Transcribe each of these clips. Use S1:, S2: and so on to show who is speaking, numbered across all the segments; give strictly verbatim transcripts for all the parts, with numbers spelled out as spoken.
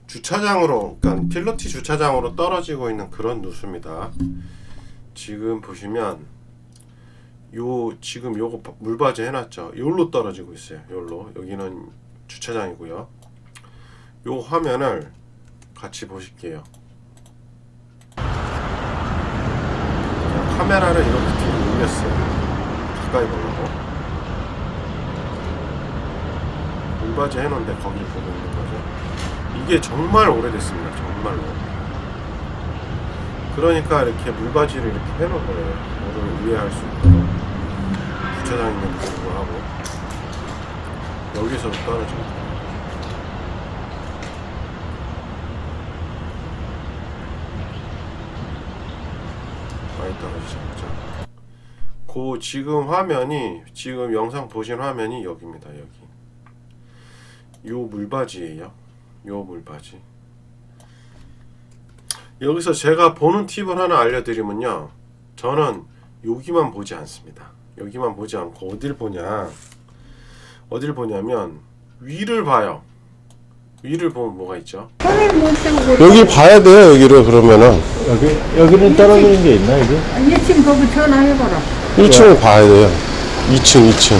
S1: 주차장으로, 그러니까 필러티 주차장으로 떨어지고 있는 그런 누수입니다. 지금 보시면 요 지금 요거 물바지 해놨죠. 요로 떨어지고 있어요. 요로. 여기는 주차장이고요. 요 화면을 같이 보실게요. 카메라를 이렇게 뒤로 올렸어요. 가까이 보려고. 물바지 해놓은데 거기 보고 있는 거죠. 이게 정말 오래됐습니다. 정말로. 그러니까 이렇게 물바지를 이렇게 해놓은 거예요. 뭐를 우회할 수 있도록. 주차장 있는 불구하고 여기서 떨어집니다. 많이 떨어지지 않죠. 그 지금 화면이, 지금 영상 보신 화면이 여기입니다. 여기. 요 물바지예요. 요 물바지. 여기서 제가 보는 팁을 하나 알려드리면요, 저는 여기만 보지 않습니다. 여기만 보지 않고 어딜 보냐, 어딜 보냐면 위를 봐요. 위를 보면 뭐가 있죠?
S2: 여기 봐야 돼요. 여기를. 그러면은
S3: 여기, 여기는 떨어지는 게 있나, 이게?
S4: 일 층 거기 전화해봐라.
S2: 일 층을 봐야 돼요. 이 층, 이 층.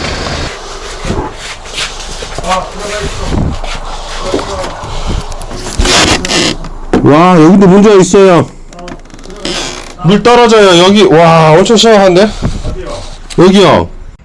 S2: 와, 여기도 문제가 있어요. 물 떨어져요. 여기. 와, 엄청 심각한데? 여기요.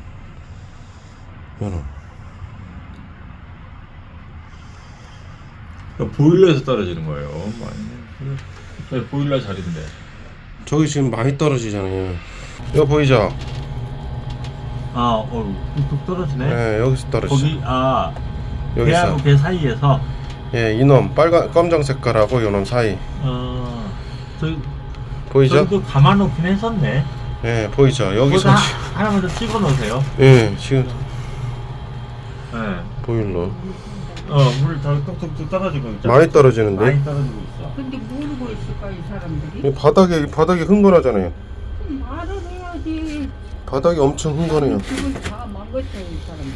S3: 보일러에서 떨어지는 거예요. 많이. 보일러 자리인데.
S2: 저기 지금 많이 떨어지잖아요. 이거 보이죠?
S3: 아, 어, 뚝뚝 떨어지네.
S2: 네, 여기서 떨어지죠.
S3: 거기, 아,
S2: 여기서.
S3: 배하고 배 사이에서.
S2: 예, 이놈 빨간 검정 색깔하고 요놈 사이.
S3: 어, 저기,
S2: 보이죠?
S3: 저기도 감아놓긴 했었네.
S2: 예, 보이죠? 여기서
S3: 하,
S2: 지-
S3: 하나만 더 찍어 놓으세요.
S2: 예, 지금
S3: 네.
S2: 보일러
S3: 어, 물 다 뚝뚝뚝 떨어지고 있잖아.
S2: 많이 떨어지는데.
S3: 많이 떨어지고 있어.
S4: 근데 모르고 있을까 이 사람들이?
S2: 이 바닥에 바닥이 흥건하잖아요.
S4: 말을 해야지.
S2: 바닥이 엄청 흥건해요.
S4: 그걸 다 망가져 이 사람들.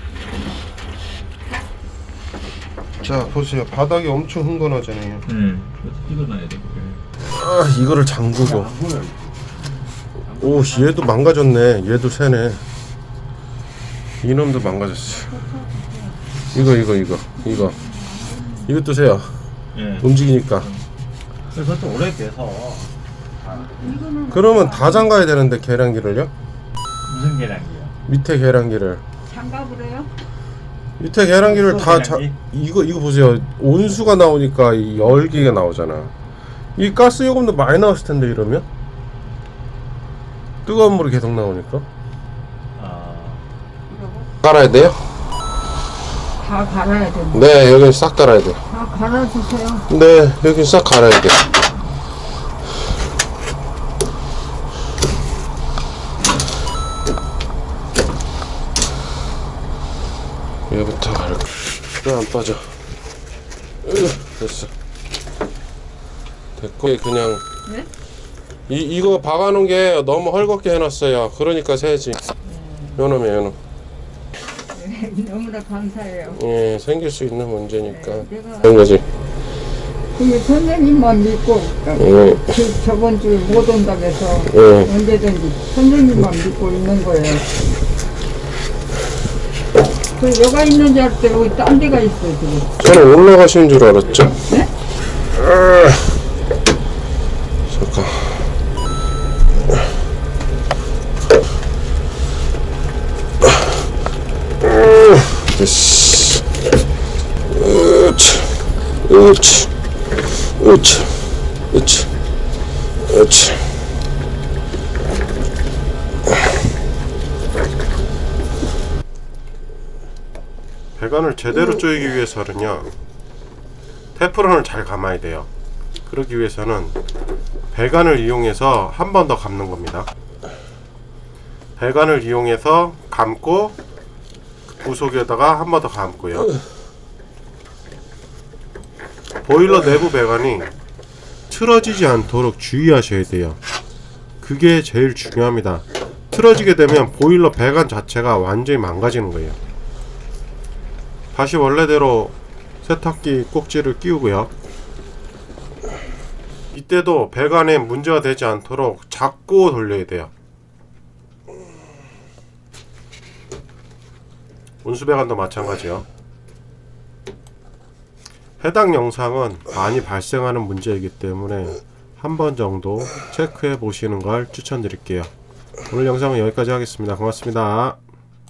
S2: 자, 보세요. 바닥이 엄청 흥건하잖아요.
S3: 응. 그래서 찍어놔야 돼.
S2: 아, 이거를 잠그고.
S3: 안 보여.
S2: 오, 얘도 망가졌네. 얘도 새네. 이놈도 망가졌어. 이거 이거 이거 이거 이것도 새요.
S3: 예.
S2: 움직이니까.
S3: 그래서 또 오래돼서.
S4: 이거는
S2: 그러면 다 잠가야 되는데, 계량기를요?
S3: 무슨 계량기야?
S2: 밑에 계량기를.
S4: 장갑을 해요?
S2: 밑에 계량기를 다 자,
S3: 계량기?
S2: 이거 이거 보세요. 온수가 나오니까 이 열기가 나오잖아. 이 가스 요금도 많이 나왔을 텐데, 이러면 뜨거운 물이 계속 나오니까.
S3: 아.
S4: 이러고
S2: 갈아야 돼요?
S4: 다 갈아야 된다.
S2: 네, 여기 싹 갈아야 돼.
S4: 다 갈아주세요.
S2: 네, 여기 싹 갈아야 돼. 얘부터 갈아. 왜 안 빠져? 으, 됐어. 됐고, 그냥.
S4: 네?
S2: 이 이거 박아놓은 게 너무 헐겁게 해놨어요. 그러니까 새지. 요놈이야, 요놈.
S4: 네, 너무나 감사해요.
S2: 예, 생길 수 있는 문제니까.
S4: 네, 내가
S2: 그런 거지.
S4: 근데 선생님만 믿고
S2: 예,
S4: 그 저번 주에 못 온다고 해서
S2: 예.
S4: 언제든지 선생님만 믿고 있는 거예요. 그 여가 있는 줄 알았더니 여기 딴 데가 있어요 지금.
S2: 저는 올라가시는 줄 알았죠?
S4: 네?
S2: 아, 잠깐. 됐어. 으치, 으치, 으치, 으치, 으치. 배관을 제대로 조이기 위해서는요, 테프론을 잘 감아야 돼요. 그러기 위해서는 배관을 이용해서 한 번 더 감는 겁니다. 배관을 이용해서 감고 부속에다가 한 번 더 감고요. 보일러 내부 배관이 틀어지지 않도록 주의하셔야 돼요. 그게 제일 중요합니다. 틀어지게 되면 보일러 배관 자체가 완전히 망가지는 거예요. 다시 원래대로 세탁기 꼭지를 끼우고요. 이때도 배관에 문제가 되지 않도록 잡고 돌려야 돼요. 온수배관도 마찬가지요. 해당 영상은 많이 발생하는 문제이기 때문에 한 번 정도 체크해 보시는 걸 추천드릴게요. 오늘 영상은 여기까지 하겠습니다. 고맙습니다.